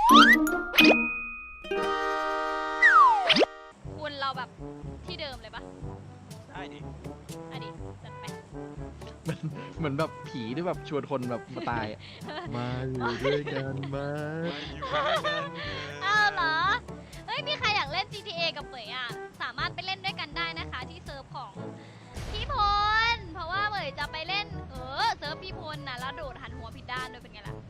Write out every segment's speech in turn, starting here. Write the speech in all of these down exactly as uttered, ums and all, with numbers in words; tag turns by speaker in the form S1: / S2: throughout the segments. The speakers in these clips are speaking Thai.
S1: คุณเราแบบที่เดิมเลยปะ
S2: ได้ดิ
S1: อันนี้จัดไป
S3: เหมือนแบบผีที่แบบชวนคนแบบมาตายมาอยู่ด้วยกันมา
S2: อยู่ด้วยกัน
S1: อ้าวเหรอเฮ้ยมีใครอยากเล่น จี ที เอ กับเหมยอ่ะสามารถไปเล่นด้วยกันได้นะคะที่เซิร์ฟของพี่พลเพราะว่าเหมยจะไปเล่นเออเซิร์ฟพี่พลนะแล้วโดดหันหัวผิดด้านด้วยเป็นไงล่ะ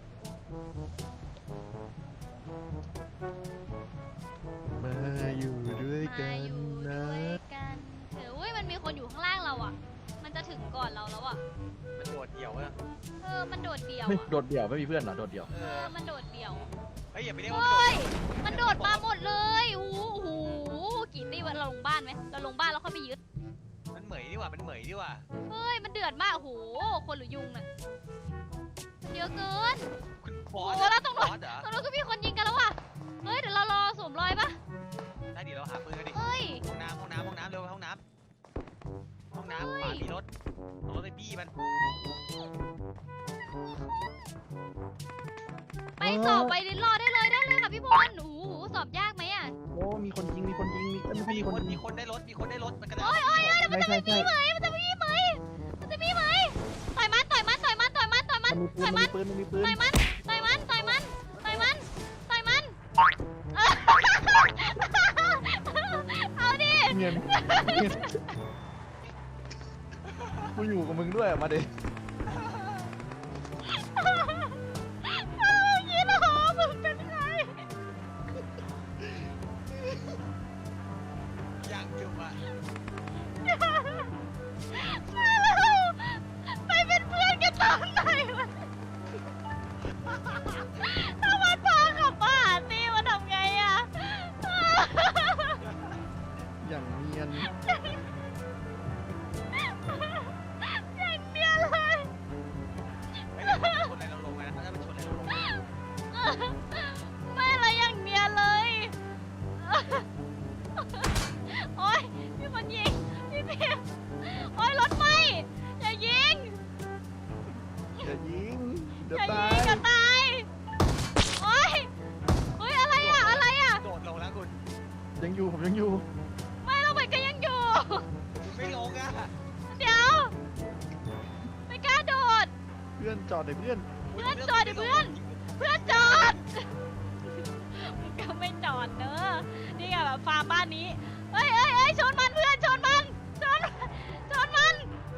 S3: มาอยู่ด้วยกั
S1: มาน อยู่
S3: นะ
S1: ด้วยกันเอออุ้ยมันมีคนอยู่ข้างล่างเราอ่ะมันจะถึงก่อนเราแล้วอ่ะ
S2: มันโดดเดี่ยวอะ
S1: เออมันโดดเดี่ยว
S3: ไม่
S1: อ่ะ
S3: โดดเดี่ยวไม่มีเพื่อนเหรอโดดเดี่ยว
S2: เอ
S1: เอ
S2: อ
S1: อมันโดดเดี่ยว
S2: เฮ้ยอย่าไปเรียกว่า
S1: เฮ้ยมันโดดมาหมดเลยโอ้โหกี่ตีวันเราลงบ้านไหมเราลงบ้านแล้วค่อยไปยึด
S2: มันเหมยดีกว่ามันเหมยดีกว่า
S1: เฮ้ยมันเดือดมากโอ้โหคนหรือยุงน่ะเยอะเกิน
S2: คุณบ
S1: โอ้
S2: อส
S1: โหแล้วตรง
S2: บ
S1: นู้
S2: อน สเหรอ
S1: ตรงนู้นก็มีคนยิงกันแล้วว่ะเฮ้ยเดี๋ยวเรารอสวมรอยปะ
S2: ได้ดิเราหาปืนกันดิ
S1: เฮ้ย
S2: ห้องน้ำห้องน้ำห้องน้ำเร็วห้องน้ำห้องน้ำขวามีรถเอารถไปบี้มัน
S1: ไปสอบไปดินรอได้เลยได้เลยค่ะพี่พลโอ้โหสอบยากไหมอ่ะ
S3: โอ้มีคนยิงมีคนยิงมีเอ้ยไม่ใช่
S2: มี
S3: มี
S2: ค
S3: คน น
S2: มี
S3: ยิง
S2: คนได้รถมีคนได้รถมันกระ
S1: โอ้ยโอ้ยโอ้ย
S3: ใช่ใช่ใช่
S1: มันจะมีไหมมันจะมีไหมต่อยมันต่อยมันต่อยมันต่อยมันต่อยมัน
S3: มันมีปืนมันมีปืนมันมีปืน
S1: ต่อยมันต่อยมันต่อยมันต่อยมันต่อยมันเอาดิ
S3: เงียบกูอยู่กับมึงด้วยมาดิ
S1: ยี่หรอมึงเป็นใคร
S2: ยังจุบอะ
S1: ไปเป็นเพื่อนกันตอนไหนวะถ้ามันพาขับมาหาตีมันทำไงอะ
S3: อย่างเนียน
S1: อย่างเนี้ยเลย
S2: ไม่ได้ชนอะไรเราลงไงนะถ้ามันชนอะไรเราลง
S1: ไม่อะไรอย่างเนี้ยเลยโอ๊ยพี่มันยิงพี่พี่โอ๊ยรถไหม้อย่ายิง
S3: อย่ายิงเดี๋ยว
S1: อย่า
S3: ตา
S1: ยิ
S3: ย
S1: งอย่าตายโอ๊ยโอ๊ยอะไรอะอะไรอะ
S2: โดดลงแล้วคุณ
S3: ยังอยู่ผมยังอยู่
S1: ไม่เราไปก็ยังอยู่
S2: คุณไม่ลงอะ
S1: เดี๋ยวไม่กล้าโดด
S3: เพื่อนจอดเลยเพื่อน
S1: เพื่อนจอดดิเพื่อน เพื่อนจอดมึงก็ไม่จอดเนอะนี่ไงแบบฟาร์มบ้านนี้เฮ้ยเฮ้ยเฮ้ยชนมันเพื่อนชนมันชนชนมัน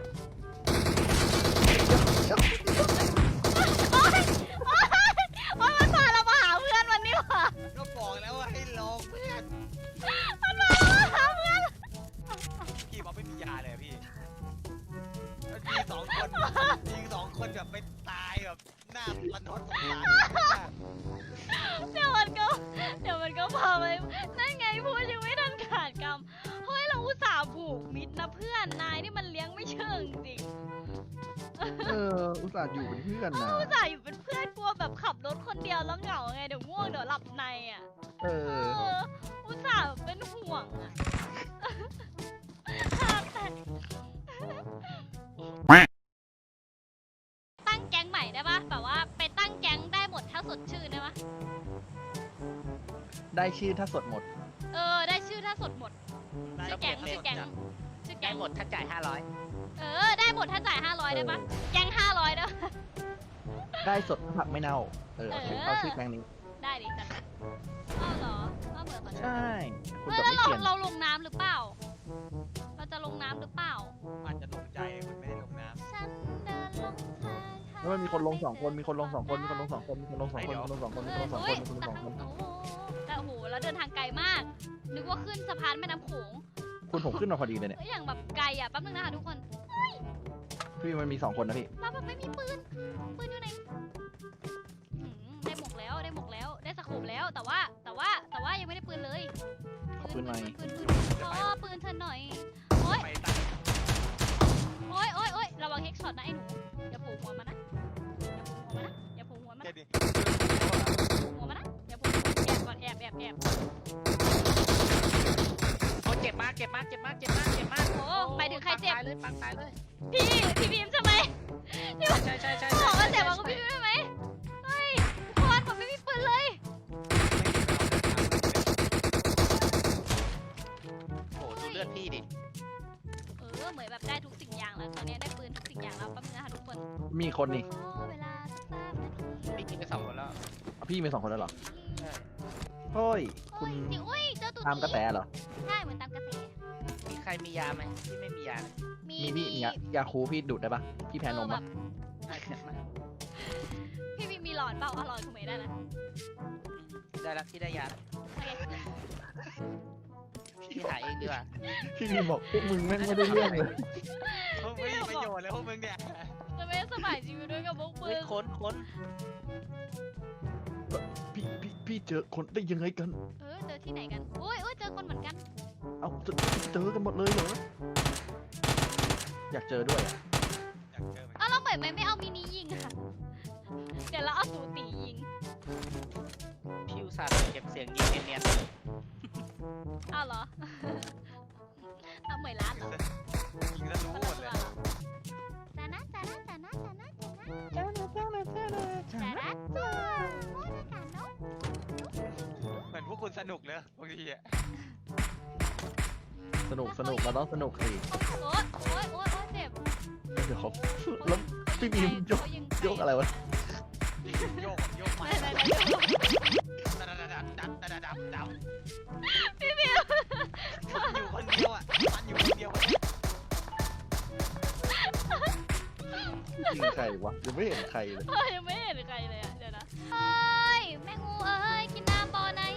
S1: โอ๊ยโอ๊ยโอ๊ยมันพาเรามาหาเพื่อนวันนี้ว่ะ
S2: ก็บอกแล้วว่าให้ลงเพื่อน
S1: มันพาเรามาหาเพื่อน
S2: พี่บอกไม่มียาเลยอะพี่แล้วมีสองคนมีสองคนแบบไปตายแบบหน้ารันทดสงสาร
S1: เดี๋ยวมันก็เดี๋ยวมันก็พาไปนั่นไงพูดยังไม่ทันขาดคำเฮ้ยเราอุตส่าห์ผูกมิตรนะเพื่อนนายนี่มันเลี้ยงไม่เชิงจริง
S3: เอออุตส่าห์อยู่เป็นเพื่อนนะ
S1: อุตส่าห์อยู่เป็นเพื่อนกลัวแบบขับรถคนเดียวแล้วเหงาไงเดี๋ยวง่วงเดี๋ยวหลับในอ่ะ
S3: เอ
S1: เอ
S3: อ
S1: ออุตส่าห์เป็นห่วงอ่ะขาดแต่ตั้งแก๊งใหม่ได้ปะแบบว่าไปตั้งแก๊งได้หมดถ้าสดชื่นได้ปะ
S3: ได้ชื่อถ้าสดหมด
S1: เออได้ชื่อถ้าสดหมดชื่อแก๊งชื่อแก๊งชื่อ
S4: ได้
S1: แก๊ง
S4: หมดถ้าจ่ายห้าร้อย
S1: เออได้หมดถ้าจ่ายห้าร้อยได้ปะแก๊งห้าร้อยได้ปะ
S3: ได้สดผักไม่เน่าเออเอาชื่อ
S1: เออ
S3: เอาชื่อแปลงนี้
S1: ได้ดิจัดไปอ้าวเหรออ้าวเหมือนกัน
S3: ใช่คุณ
S1: เฮ้ย
S3: กับ
S1: แล้ว
S3: ไม่
S1: เรา
S3: เปลี่ยน
S1: เราลงน้ำหรือเปล่า เราจะลงน้ำหรือเปล่า
S2: อาจจะลงใจคุณไม่ได้ลงน้
S1: ฉันเดินลงทาง
S3: แล้วมันมีคนลงสองคนมีคนลงสองคนมีคนลงสองคนมีคนลงสองคนมีคนลงสองคนมีคนลงสองคนมีคนลงสองคน
S1: โอ้โหแต่โอ้โหแล้วเดินทางไกลมาก นึกว่าขึ้นสะพานแม่น้ำโขง
S3: คุณผมขึ้นมาพอดีเลยเนี่ย
S1: เอ้ยอย่างแบบไกลอ่ะแป๊บนึงนะคะทุกคน
S3: พี่มันมีสองคนนะพี่
S1: เราแบบไม่มีปืน ปืนอยู่ไหนหืมได้หมวกแล้วได้หมวกแล้วได้สโคปแล้วแต่ว่าแต่ว่าแต่ว่ายังไม่ได้ปืนเลย
S3: ขอปืนหน่อย
S1: ปืนปืนขอปืนเธอหน่อย โอ๊ย
S2: ำไปตั้ง
S1: โอ๊ยโอ๊ยโอ๊ยระวังเฮกช็อตนะไอ้หนูอย่าโผล่หัวมานะอย่าโผล่หัวมานะอย่าโผล่หัวมัน
S2: แค่
S1: นะ
S2: นี้
S1: โผล่หัวมานะอย่าโผล่หัวแอบก่อนแอบแอบแอบ
S4: โอ้เจ็บมากเจ็บมากเจ็บมากเจ็บมากเจ็บมาก
S1: โอ้ไปถึงใครเจ็บ
S4: ปังตายเลยปังตายเลย
S1: พี่พี่บีมใช่ไหม
S4: ใช่ใช่ใช่
S1: บอกว่าเจ็บบอกว่าพี่บีมใช่ไหมเฮ้ยทุกคนผมไม่มีปืนเลย
S3: มีคนนี่
S1: ขอเวลาสักสามนาที
S4: พี่กินไปสองคนแล้ว
S3: อ่ะพี่มีสองคนแล้วเหรอ
S4: ใช่
S3: เฮ้ย
S1: โอ้
S3: คุณ
S1: ยจริงอุ้ยเจอตุ๊
S3: ตามกระแส
S1: ตี
S3: เหรอ
S1: ใช่เหมือนตามกระแส
S4: มีใครมียาไหมพี่ไม่มียาเลย
S1: มี
S3: มีพี่ยายาคูพี่ดูดได้ปะพี่แพ้นม
S1: แบ
S3: ปะ
S1: บ
S4: ได้แค่มา
S1: พี่มีมีหลอดเปล่าเอาหลอดคุณเมย์ได้นะ
S4: ได้แล้วพี่ได้ยาแล้ว
S1: โอเค
S4: พี่หาเองดีกว่า
S3: พี่มีบอกพวกมึงแม่งไม่ได้เรื่องเลย
S2: พวกมึงไม่มีประโยชน์เลยพวกมึงเนี่ย
S1: จะไม่สบายชีวิตด้วยกับพวกมึ
S4: เฮ้ย
S1: ง
S4: ค้นค้น
S3: พี่พี่พี่เจอคนได้ยังไงกัน
S1: เออเจอที่ไหนกันอุ้ยอุ้ยเจอคนเหมือนกัน
S3: เอาเจอเจอกันหมดเลยเหรอ อยากเจอด้วยอะ
S2: อยากเจอเหมือนกัน
S1: อ้าวเราเหมือนไม่ไม่เอามินิยิงอะเดี๋ยวเราเอาตูตียิง
S4: พี่อุตส่าห์เก็บเสียงยิงเนียน
S1: อ้าวเหรอ เอาเหมยร้านเหรอ
S2: ยิงแล้วรู้หมดเลย
S1: จานะจานะจานะจานะจานะจานะจานะจานะโอ้ยอากาศเนาะ
S2: เหมือนพวกคุณสนุกเลยบางทีอะ
S3: สนุกสนุกเราต้องสนุกสิ
S1: โอ๊ยโอ๊ยโอ๊ยโอ๊ยเจ็บ
S3: เดี๋ยวเขาแล้วพี่บีมยก
S1: เขายิง
S3: ยกอะไรวะ
S2: โยกโยกไป
S1: ไหนไหนไหนยก
S2: ดัดดัดดัดดัดดัดดัดดัด
S1: พี่บิว
S2: มันอยู่คนเดียวอ่ะมันอยู่คนเดียวอะ
S3: ยิงใครวะยังไม่เห็นใครเลย
S1: เอ้ยยังไม่เห็นใครเลยอะเดี๋ยวนะเอ้ยแม่งูเอ้ยกินน้ำบ่อไหน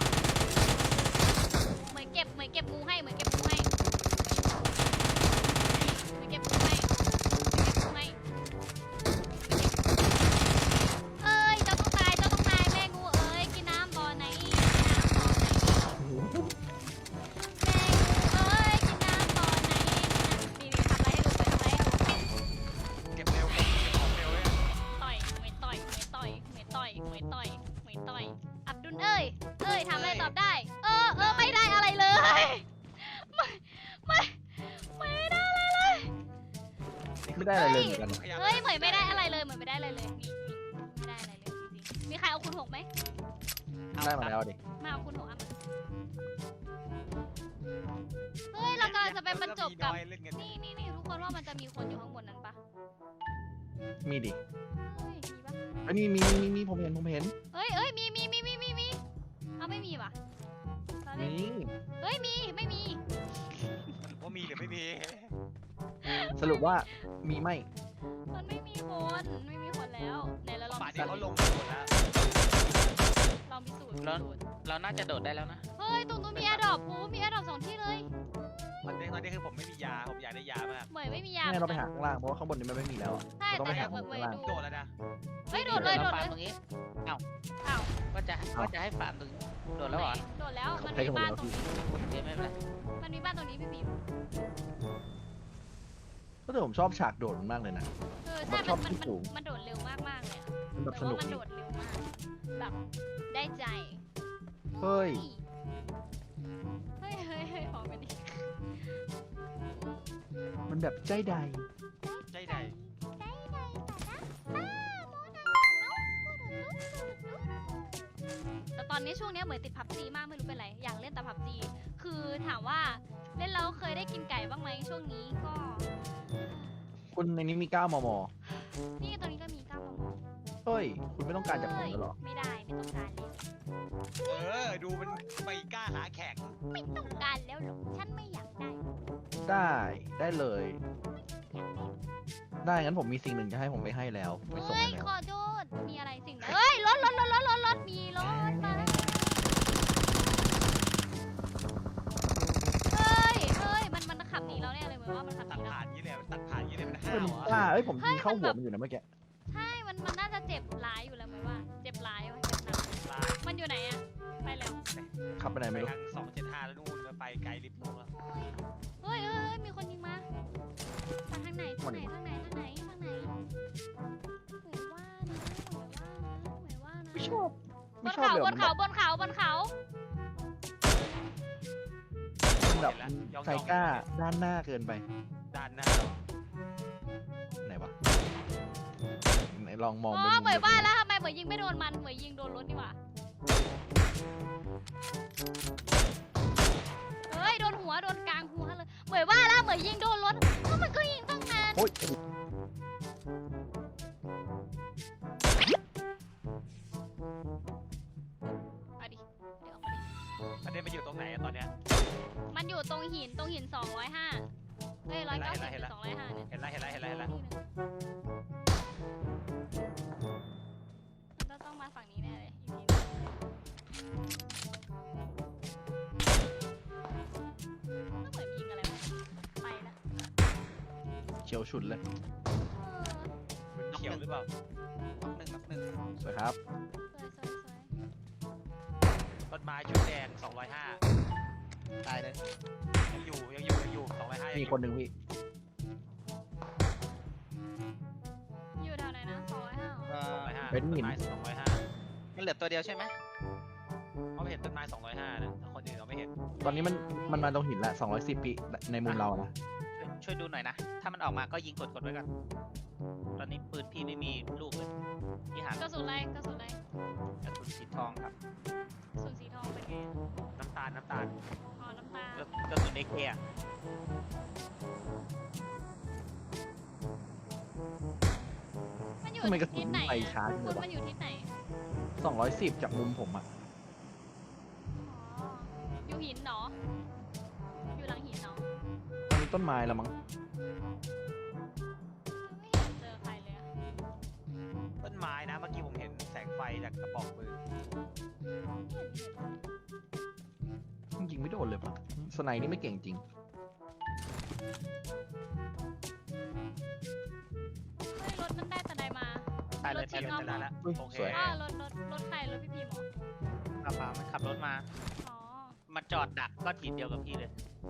S1: เหมือนเก็บเหมือนเก็บงูให้เหมือนเก็บงูให้เหมือนเก็บงูให้เหมือนเก็บงูให้เอ้ยเจ้าต้องตายเจ้าต้องตายแม่งูเอ้ยกินน้ำบ่อไหนกินน้ำบ่อไหน แม่งูเอ้ยกินน้ำบ่อไหนกินน้ำนี่นี่ทำอะไรให้ดูไปทำอะไรให้ดู
S2: เก็บเร็วเก็บของเร็วเลย
S1: ต่อยเหมยต่อยเหมยต่อยเหมยต่อยเหมยต่อยเหมยต่อยอับดุลเอ้ยเอ้ยทำอะไรตอบได้ เออเออไม่ได้อะไรเลยไม่ไม่ไม่ได้อะไรเลย
S3: ไม่ได้อะไรเลยเหมือนกัน
S1: เฮ้ยเหมยไม่ได้อะไรเลยเหมยไม่ได้อะไรเลยนี่นี่ไม่ได้อะไรเลยจริงๆมีใครเอาคุณหกไหม
S3: ได้มาแล้วดิ
S1: มาเอาคุณหกอ่ะมาเฮ้ยเรากำลังจะไปบรรจบกับ
S2: เล่นกัน
S1: นี่นี่นี่ทุกคนว่ามันจะมีคนอยู่ข้างบนนั้นปะ
S3: มีดิ
S1: เฮ้ยมีปะ
S3: อันนี้มีมีมีผมเห็นผมเห็น
S1: เฮ้ยเอ้ยมีมีมีมีมีมีเอาไม่มีปะตอนแรก
S3: นี่
S1: เฮ้ยมีไม่มี
S2: ว่ามีหรือไม่มี
S3: สรุปว่ามีไหม
S1: มันไม่มีคนไม่มีคนแล้วไหนเราลอง
S2: ป่าน
S1: พิ
S2: นี้
S1: สู
S2: เขา
S1: จน์
S2: ลงหมดแล้ว
S1: ลองพิสูจน์พิสูจน์
S4: เราน่าจะโดดได้แล้วนะ
S1: เฮ้ยตรงนู้นมีแอร์ดรอปปูมีแอร์ดรอปสองที่เลย
S2: ตอนนี้ตอนนี้คือผมไม่มียาผมอยากได้ยามาก
S1: เหมยไม่มียา
S3: ไม่งั้นเราไปหาข้างล่างเพราะว่าข้างบนนี้มันไม่มีแล้วอะ
S1: ใช่
S3: เราต้อง
S1: แต่
S3: ไป
S1: เดี๋
S3: หา
S1: ยวเหมย
S3: ข้าง
S1: เหมย
S3: ล่าง
S1: ดู
S2: โดดแล้วนะ
S1: เฮ้ยโดดเลยโดด
S4: ฟา
S1: เล
S4: ร์ม
S1: ย
S4: ตรงนี้
S1: อ้าว
S4: ว่าจะว่าจะให้ฟาร์มตรงนี้โดดแล้วเหรอ
S1: โดดแล้วมัน
S3: ใช้
S1: มี
S3: กันหมด
S1: บ้าน
S3: แล้ว
S1: ตรง
S3: พี่
S1: นี้
S4: เดี๋ยวไม่เป็นไร
S1: มันมีบ้านตรงนี้พี่บีม
S3: ก็แต่ผมชอบฉากโดดมันมากเลยนะ
S1: เออใช่
S3: ช
S1: มั
S3: อน บ
S1: มัน
S3: ที่สูง
S1: มันโดดเร็วมากมากๆเลยอะ
S3: มันแบบ
S1: แต่
S3: ส
S1: ว่า
S3: นุก
S1: มัน
S3: ดี
S1: โดดเร็วมากแบบได้ใจ
S3: เฮ้ย
S1: เฮ้ยเฮ้ยเฮ้ยพร้อมกันดิ
S3: มันแบบใจใด
S2: ใจใด
S1: ใจใดแต่นะอ้าโมนาเอาพูดถึงลูกแต่ตอนนี้ช่วงเนี้ยเหมือนติดพับจีมากไม่รู้เป็นไร อยากเล่นแต่พับจี คือถามว่าเล่นแล้วเคยได้กินไก่บ้างไหมช่วงนี้ก็
S3: คุณในนี้มีเก้ามม
S1: นี่ตอนนี้ก็มีเก้ามม
S3: เฮ้ย คุณไม่ต้องการจากผมแล้วเหรอ
S1: ไม่ได้ไม่ต้องการเลย
S2: เออดูมันไม่กล้าหาแข่ง
S1: ไม่ต้องการแล้วหรอกฉันไม่อยากได้
S3: ได้ได้เลย ได้งั้นผมมีสิ่งหนึ่งจะให้ผมไปให้แล้วไปส่ง
S1: เฮ้ย
S3: ให้แล้ว
S1: ขอโทษมีอะไรสิ่งไหนเฮ้ยรถรถรถรถรถรถมีรถมาแล้วเฮ้ยเฮ้ยมันมันขับหนีเราแน่เลยเหมือนว่ามันขับห
S2: ตัด
S1: นีเรา
S2: ผ่านยี่เลยมันตัดผ่านยี่เลยมัน
S3: เฮ้
S2: ห้า
S3: ยว มัน
S2: เหร
S3: กล้า
S2: อ
S3: เอ้ยผม
S1: เฮ้
S3: ยิ
S1: ย
S3: งเข้า
S1: มัน
S3: หั
S1: แบ
S3: ว
S1: บ
S3: มันอยู่นะเมื่อกี้
S1: ใช่มันมันน่าจะเจ็บร้ายอยู่แล้วเหมือนว่าเจ็บร้ายวะเจ็บหนัก
S2: ลาย
S1: มันอยู่ไหนอะไปแล้ว
S3: ขับไปไหน
S2: ไป
S3: ไม่รู้
S2: ทางสองเจ็ดห้าแล้วนู่นไปไกลลิฟต์นู่นแล้ว
S1: เฮ้ยเฮ้ยเฮ้ยมีคนยิงมาทางไหนทางไหนทางไหนทางไหนทางไหนเหมือนว่านะเหมือนว่านะเหมือนว่านะ
S3: ไม่ชอบบ ไม่
S1: น
S3: ชอบ
S1: เขา
S3: เลย
S1: บนเขาบนเขาบนเขา
S3: มันแบบใจกล้าด้านหน้าเกินไป
S2: ด้านหน้า
S3: ไหนวะไหนลองมอง
S1: อ๋
S3: บ
S1: อน เหมือนว่า
S3: มุม
S1: แล้วทำไมเหมือนยิงไม่โดนมันเหมือนยิงโดนรถดีกว่าเฮ้ยโดนหัวโดนกลางหัวเลยเหมือนว่าแล้วเหมือนยิงโดนรถก็มันก็ยิงตั้งนาน
S3: โอ้ย
S2: ประเด็นมันอยู่ตรงไหนอะตอนเนี้ย
S1: มันอยู่ตรงหินตรงหินสองร้อยห้าเอ้ยร้อยเก้าสิบหรือสองร้อยห้าเนี่ย
S2: เห็นแล้วเห็นแล้วเห็นแล้วเห็นแล้ว
S1: ที่หนึ่งเราต้องมาฝั่งนี้แน่เลยอีกทีหนึ่งก็เหมือนยิงอะไรวะไปละ
S3: เขียวฉุดเลย
S1: เออ
S2: มันเขียวหรือเปล่า
S4: น็อกหนึ่งน็อกหนึ่ง
S3: สวยครับ
S1: สวยสวยสวย
S2: ต้นไม้ชุดแดงสองร้อยห้า
S4: ตายเลย
S2: ยังอยู่ยังอยู่ยังอยู่สองร้อยห้า
S3: มีคนหนึ่งพี่
S1: อยู่แถวไหนนะสองร้อยห้า
S4: เอ่อ
S2: สองร้อยห้า
S3: เป็นหิน
S2: ต้ไม้สองร้อยห้า
S4: มันเหลือตัวเดียวใช่ไหม
S2: เขาเห็นต้นไม้สองร้อยห้านะแต่คนอื่นเราไม่เห็น
S3: ตอนนี้มันมันมาตรงหินละสองร้อยสิบปีในมุมเรานะ
S4: ช่วยช่วยดูหน่อยนะ ถ้ามันออกมาก็ยิงกดกดไว้ก่อน ตอนนี้ปืนพี่ไม่มีลูกเลยพี่หาก
S1: ระสุนอะไรกระสุนอะไร
S4: กระสุนสีทองครับ
S1: กระสุนสีทองเป็นไงอะ
S2: น้ำตาลน้ำตาล
S1: อ๋อน้ำตาล
S4: กระกระสุนเอเคอะ
S1: มันอยู่
S3: ทำไมกระสุ
S1: ทิ
S3: น
S1: ศไหน
S3: ไป
S1: อะ
S3: ช้าจัง
S1: คุ
S3: เล
S1: ณ
S3: ยวะ
S1: มันอยู่ทิศไหน
S3: สองร้อยสิบจากมุมผมอะ
S1: อ๋ออยู่หินเนาะอยู่หลังหินเนาะ
S3: ตอนนี้ต้นไม้แล้วมั้ง
S1: ไม่เห็นเจอใครเลยอะ
S2: ต้นไม้นะเมื่อกี้ผมเห็นแสงไฟจากกระบอกปืน
S3: ยิงไม่โดนเลยปะสไนด์นี่ไม่เก่งจริง
S1: เฮ้ยรถมันได้แต่ใดมา
S4: ตายเลย
S1: รถ
S4: ตาย
S1: ชิ
S4: เล
S1: ง
S4: ย
S1: อ้อม
S2: ได้แล้ว
S3: อุ๊ย
S2: โอเค
S3: สวย
S1: อ๋อรถรถรถใครรถพี่พิมพ์เหรอ
S4: ขับมามันขับรถมา
S1: อ๋อ
S4: มันจอดดักก้อนหินเดียวกับพี่เลย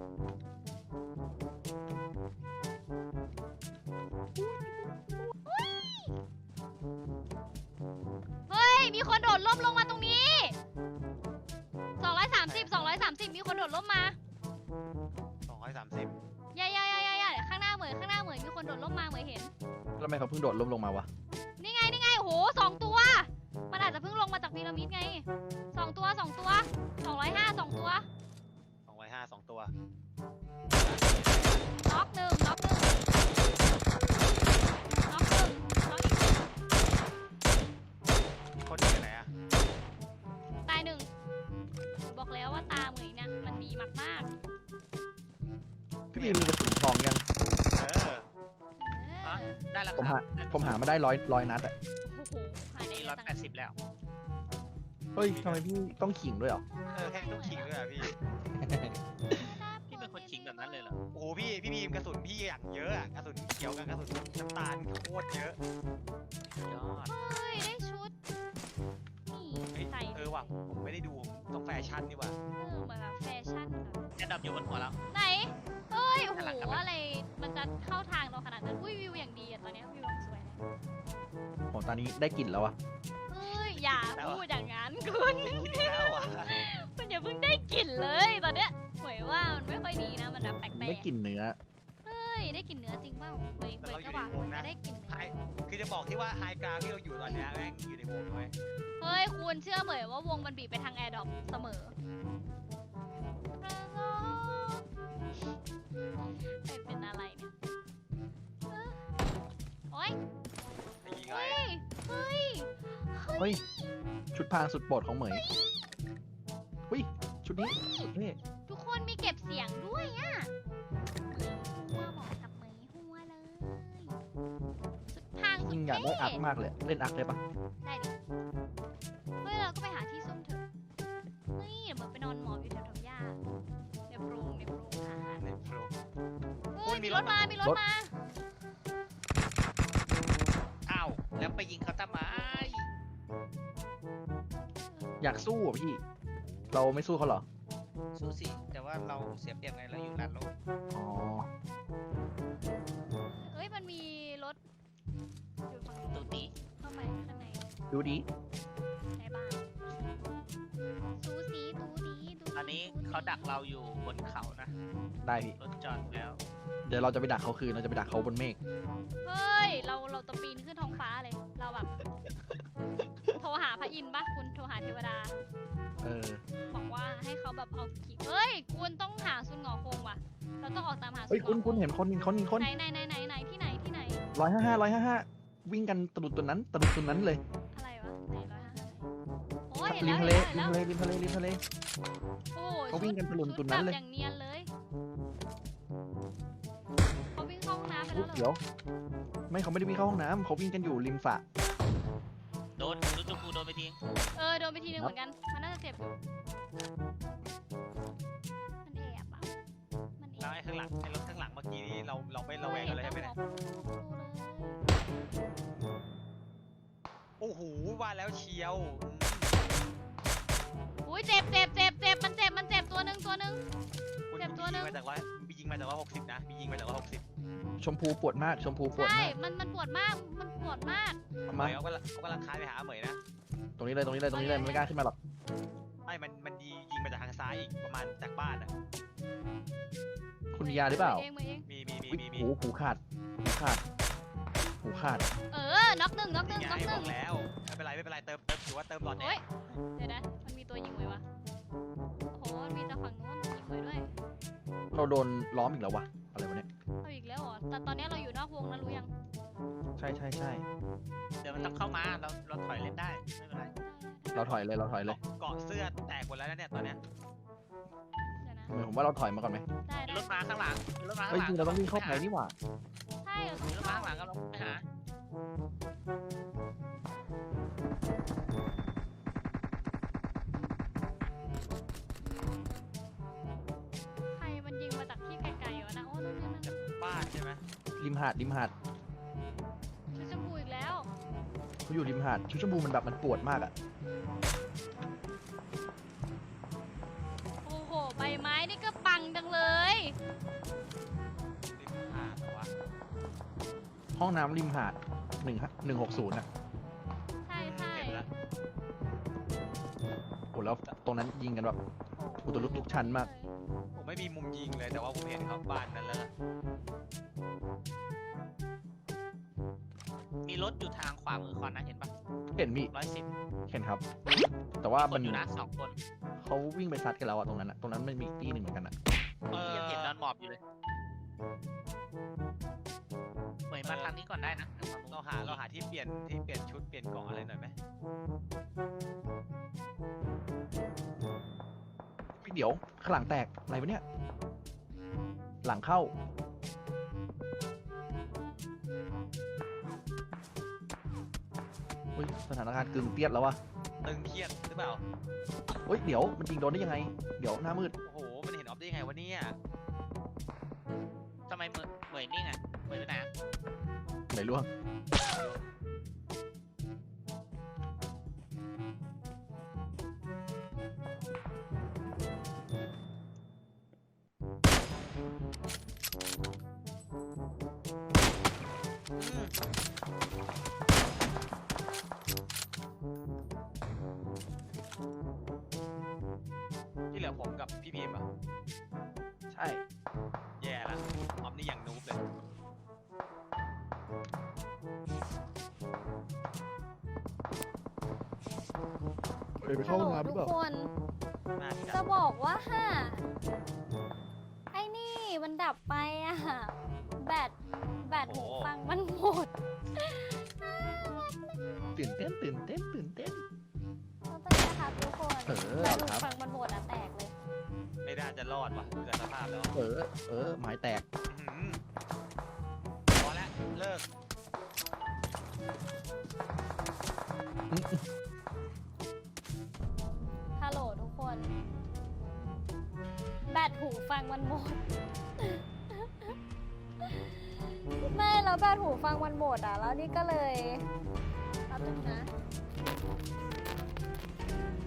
S1: เฮ้ยมีคนโดดร่มลงมาตรงนี้สองร้อยสามสิบสองร้อยสามสิบมีคนโดดร่มมา
S2: สองร้อยสามสิบ
S1: อย่าอย่าอย่าอย่าอย่าข้างหน้าเหมือนข้างหน้าเหมือนมีคนโดดร่มมาเหมือนเห็น
S3: แล้วทำไมเขาเพิ่งโดดล้มลงมาวะ
S1: นี่ไงนี่ไงโอ้โหสองตัว มันอาจจะเพิ่งลงมาจากพีระมิดไงสองตัวสองตัวสองร้อยห้าสองตัว
S2: สองร้อยห้าสองตัว
S1: น็อกหนึ่งน็อกหนึ่งน็อกหนึ่งน็อกอีกหนึ่ง
S2: คนอยู่ไหนอะ
S1: ตายหนึ่งบอกแล้วว่าตาเหมยเนี่ยมันดีมากมาก
S3: พี่บีมีกระสุนทองยัง
S2: เออ
S1: ๆเออ
S4: ได้แล้ว
S3: ผม
S4: ครั
S3: หา
S4: บ
S3: ผมหามาได้ร้อยร้อยนัดอะ
S1: โอ้โหหายได้
S4: นี่
S1: เย
S4: ร้อ
S1: อะ
S4: ย
S1: จัง
S4: แปดสิบแล้ว
S3: เฮ้ยทำไมพี่ต้องขิงด้วยเหรอ
S2: เออแค่ต้องขิงด้วยอะพี่
S4: พี่เป็นคนขิงแบบนั้นเลยเหรอ
S2: โอ้โหพี่พี่บีมกระสุนพี่อย่างเยอะอะกระสุนเขียวกับกระสุนน้ำตาลโคตรเยอะ
S4: ยอด
S1: เฮ้ยได้ชุดนี่
S2: เฮ้ย
S1: ใส่
S2: เออว่ะผมไม่ได้ดูผมต้องแฟชั่นดีกว่า
S1: เออเหมือนแบบแฟชั่นแบบ
S4: แอดดับอยู่บนหัวแล้ว
S1: ไหนเอ้ยโอ้โห
S4: ข้างหลังครับ
S1: อะไรมันจะเข้าทางเราขนาดนั้นอุ้ยวิวอย่างดีอะตอนเนี้ยวิวสวยเลย
S3: โหตอนนี้ได้กลิ่นแล้วอะ
S1: เอ้ยอย่าพูดอย่างนั้นคุณ
S2: คิดแล้วอ่ะ
S1: คุณอย่าเพิ่งได้กลิ่นเลยตอนเนี้ยเหมยว่ามันไม่ค่อยดีนะมันแบบแปลก
S3: ได้กลิ่นเนื้อ
S1: ๆเฮ้ยได้กลิ่นเนื้อจริงเปล่าเหมยเหมยจะหวังมันจะได้กลิ่นเนื้
S2: ไฮ
S1: อ
S2: คือจะบอกที่ว่าไฮกราวที่เราอยู่ตอนเนี้ยแม่งอยู่ในวงด้วย
S1: เฮ้ยคุณเชื่อเหมยว่าวงมันบีบไปทางแอร์ดรอปเสมอไม่เป็นอะไรเนี่ยเออโอ๊ย
S2: จะยิงอะไร
S1: เฮ้ย
S2: อะ
S1: เฮ้ย
S3: เฮ้ย ชุดพรางสุดโปรดของเหมยเฮ้ย ชุดนี้เท่
S1: ทุกคนมีเก็บเสียงด้วยอ่ะเหมยหัวเหมาะกับเหมยหัวเลยสุดทางสุ
S3: ยิ
S1: ด
S3: งอยากได้
S1: เท่
S3: อักมากเลย เล่นอักได้ปะ
S1: ได้ดิเฮ้ยเราก็ไปหาที่ซุ่มเถอะเฮ้ยเดี๋ยวเหมือนไปนอนหมอบอยู่แถวๆหญ้าในโพรงในโพรงอาหาร
S2: ในโปร
S1: เฮ้ยมีรถมา มีรถมา
S4: อ้าว แล้วไปยิงเขาทำไม
S3: อยากสู้อ่ะพี่ เราไม่สู้เขาเหรอ
S4: สู้สิ แต่ว่าเราเสียเปรียบไงเราอยู่ลานโลก
S3: อ๋อ
S1: เฮ้ยมันมีรถอยู่ฝั่ง
S4: ตู
S1: นู้น
S4: ตี
S1: เข้าไปข้างใน
S3: ดูดิ
S1: ในบ้านซูซีดูดีดู
S4: ตอนนี้เขาดักเราอยู่บนเขานะ
S3: ได้พี่
S4: รถจอดแล้ว
S3: เดี๋ยวเราจะไปดักเขาคืน เราจะไปดักเขาบนเมฆ
S1: เฮ้ย เราเราจะปีนขึ้นท้องฟ้าเลย เราแบบ โทรหาพระอินทร์ปะคุณโทรหาเทวดา
S3: เออ
S1: บอกว่าให้เขาแบบเอาขี่เฮ้ย คุณต้องหาซุนหงอคงว่ะ เราต้องออกตามหาซุ
S3: เฮ้ย
S1: นหงอ
S3: คุณ
S1: ค
S3: คุณ
S1: ง
S3: เห็นคนมีคนมีคน
S1: ไหนไหนไหนไหนไหนที่ไหนที่ไหน
S3: ร้อยห้าห้าร้อยห้าห้าวิ่งกันตะลุดตัวนั้นตะลุดตัวนั้นเลย
S1: อะไรวะไหนร้อยห้าสิบโอ้อ้เห็น
S3: ริ
S1: แล้
S3: ม
S1: ว
S3: ทะเล
S1: เห็น
S3: ริ
S1: แล้ว
S3: ม
S1: เห็น
S3: ทะ
S1: แล้ว
S3: เลริมทะเลริมทะเล
S1: โอ้
S3: เขาวิ่งกันถล่ม
S1: ชุด
S3: ตุนนั้นเลย
S1: แบบอย่างเนียนเลยเขาวิ่งเข้าห้องน้ำไป
S3: อุ๊
S1: แล้
S3: ยว
S1: เหรอ
S3: เดี๋ยวไม่เขาไม่ได้วิ่งเข้าห้องน้ำเขาวิ่งกันอยู่ริมสระ
S4: โดนชุดชมพูโดนไปที
S1: เออโดนไปทีนึงเหมือนกันมันน่าจะเจ็บอยู่มันแอบอ่ะมันแอ
S2: แล้ว
S1: บ
S2: ไอ้ข้างหลังไอ้รถข้างหลังเมื่อกี้นี้เราเราไม่ระแวงกันเลยใช่ไหมเนี่ยโอ้โหว่าแล้วเชียว
S1: อุ้ยเจ็บเจ็บเจ็บเจ็บมันเจ็บมันเจ็บตัวหนึ่งตัวหนึ่ง
S2: คุณ
S1: เจ็บตัว
S2: ยิ
S1: หนึ่
S2: ง
S1: ง
S2: มาจากร้อยมียิงมาจากร้อยหกสิบนะมียิงมาจากร้อยหกสิบ
S3: ชมพูปวดมากชมพูปวด
S1: ใช่
S3: มาก
S1: มันมันปวดมากมันปวดมาก
S2: เหม
S3: มาย
S2: เขากำลังเขากำลังคลายไปหาเหมยนะ
S3: ตรงนี้เลยตรงนี้เลยตรงนี้เลยมันไม่กล้าขึ้นมาหรอก
S2: ไม่มันมันยิงยิงมาจากทางซ้ายอีกประมาณจากบ้านอ่ะ
S3: คุณมียาหรือเปล่า
S1: เองมือเอง
S2: มีมีมี
S3: อุ๊ย
S2: มีมี
S3: หูหูขาดหูขาดหูขาด
S1: เออน็อกหนึ่งน็อกหนึ่ง
S2: นี่
S1: น็อก
S2: ไง
S1: ห
S2: บ
S1: นึ่
S2: อง กแล้วไม่เป็นไรไม่เป็นไรเติมเติมถือว่าเติมหลอดแน่
S1: โอ้ยเดี๋ยวนะมันมีตัวยิงไว้วะโอ้โหมันมีจากฝั่งนู้นยิงไว้ด้วย
S3: เราโดนล้อมอีกแล้ววะอะไรวะเนี่ย
S1: เอาอีกแล้วเหรอแต่ตอนนี้เราอยู่นอกวงนะรู้ยัง
S3: ใช่ใช่ใช่
S4: เดี๋ยวมันต้องเข้ามาเราเราถอยเล่นได้ไม่เป็นไร
S3: เราถอยเลยเราถอยเลย
S2: เกาะเสื้อแตกหมดแล้วนะเนี่ยตอนเนี้ย
S1: เดี๋ยวนะ
S3: เหมือนผมว่าเราถอยมาก่อนไหม
S1: ได้
S4: มี
S1: ได้
S4: รถมาข้างหลังมีรถมาข้า
S3: เฮ้ย
S4: งหลัง
S3: จริงเราต้องวิ่งเข้าไปนี่หว่า
S1: ใช่เราต้อ
S4: มี
S1: ง
S4: รถมา
S1: เข้า
S4: ข้างหลังก็ลงไปหา
S1: ใครมันยิงมาจากที่ไกลๆวะนะโอ้นู่นนี่นั่น
S2: จากบ้านใช่ไหม
S3: ริมหาดริมหาด
S1: ชุดชมพูอีกแล้ว
S3: เขาอยู่ริมหาดชุดชมพูมันแบบมันปวดมากอะ
S1: โอ้โหใบไม้นี่ก็ปังจังเลย
S2: ริมหาดเหรอวะ
S3: ห้องน้ำริมหาดหนึ่งหนึ่งหกศูนย์อะ
S1: ใช่ใช่
S2: เห็นแล้ว
S3: โอ้แล้วตรงนั้นยิงกันแบบ อุตลุดทุกชั้นมาก
S2: ผมไม่มีมุมยิงเลยแต่ว่าผมเห็นเขาบ้านนั้นแล้วนะ
S4: มีรถอยู่ทางขวามือคอนนะเห็นปะ
S3: เห็นพี่
S4: ร้อยสิบ
S3: เห็นครับ แต่ว่า
S4: ค
S3: มัน น
S4: อยู่นะสองคน
S3: เขาวิ่งไปซัดกันแล้วอะตรงนั้นอะตรงนั้นมันมีอีกที่หนึ่งเหมือนกันอะ
S2: เออ
S4: ยังเห็นนอนหมอบอยู่เลยเหมยมาทางนี้ก่อนได้นะทางนู้น
S2: เราหาเราหาที่เปลี่ยนที่เปลี่ยนชุดเปลี่ยนเกาะอะไรหน่อยไหม
S3: เดี๋ยวข้างหลังแตกอะไรวะเนี่ย หลังเข้าอุ้ยสถานการณ์กึ่งเตี้ยนแล้ววะ
S2: ตึงเครียดหรือเปล่า
S3: เฮ้ยเดี๋ยวมันยิงโดนได้ยังไง เดี๋ยวหน้ามืด
S2: โอ้โหมันเห็นออฟได้ยังไงวะเนี่ย
S4: ทำไมเหมยเหมยนิ่งอ่ะเหมยไปไหนอะ
S3: ไหนล่วง
S2: ที่เหลือผมกับพี่พีมอ่ะ
S3: ใช่
S2: แย่ละออฟนี่อย่างนูบเลย
S3: เอ้ยไปเข้าห้องน้ำหรือเปล่า
S1: ทุกคน
S2: น่า
S1: จะ
S2: จะ
S1: บอกว่าฮ่าไอ้นี่มันดับไปอะแบตแบตหูฟังมันหมด
S3: ตื่นเต้นตื่นเต้นตื่นเต้น
S1: ต้องเป็นนะครับทุกคน
S3: เออ
S1: แบตหู
S3: ครับ
S1: ฟังมันหมดอะแตกเลย
S2: ไม่น่าจะรอดว่ะดูจากสภาพแล้ว
S3: เออ เออหมายแตก
S2: อื้อหือพอแล้วเลิก
S1: ฮัลโหลทุกคน แบตหูฟังมันหมด ไม่แล้วแบตหูฟังมันหมดอ่ะ แล้วนี่ก็เลยแป๊บนึงนะ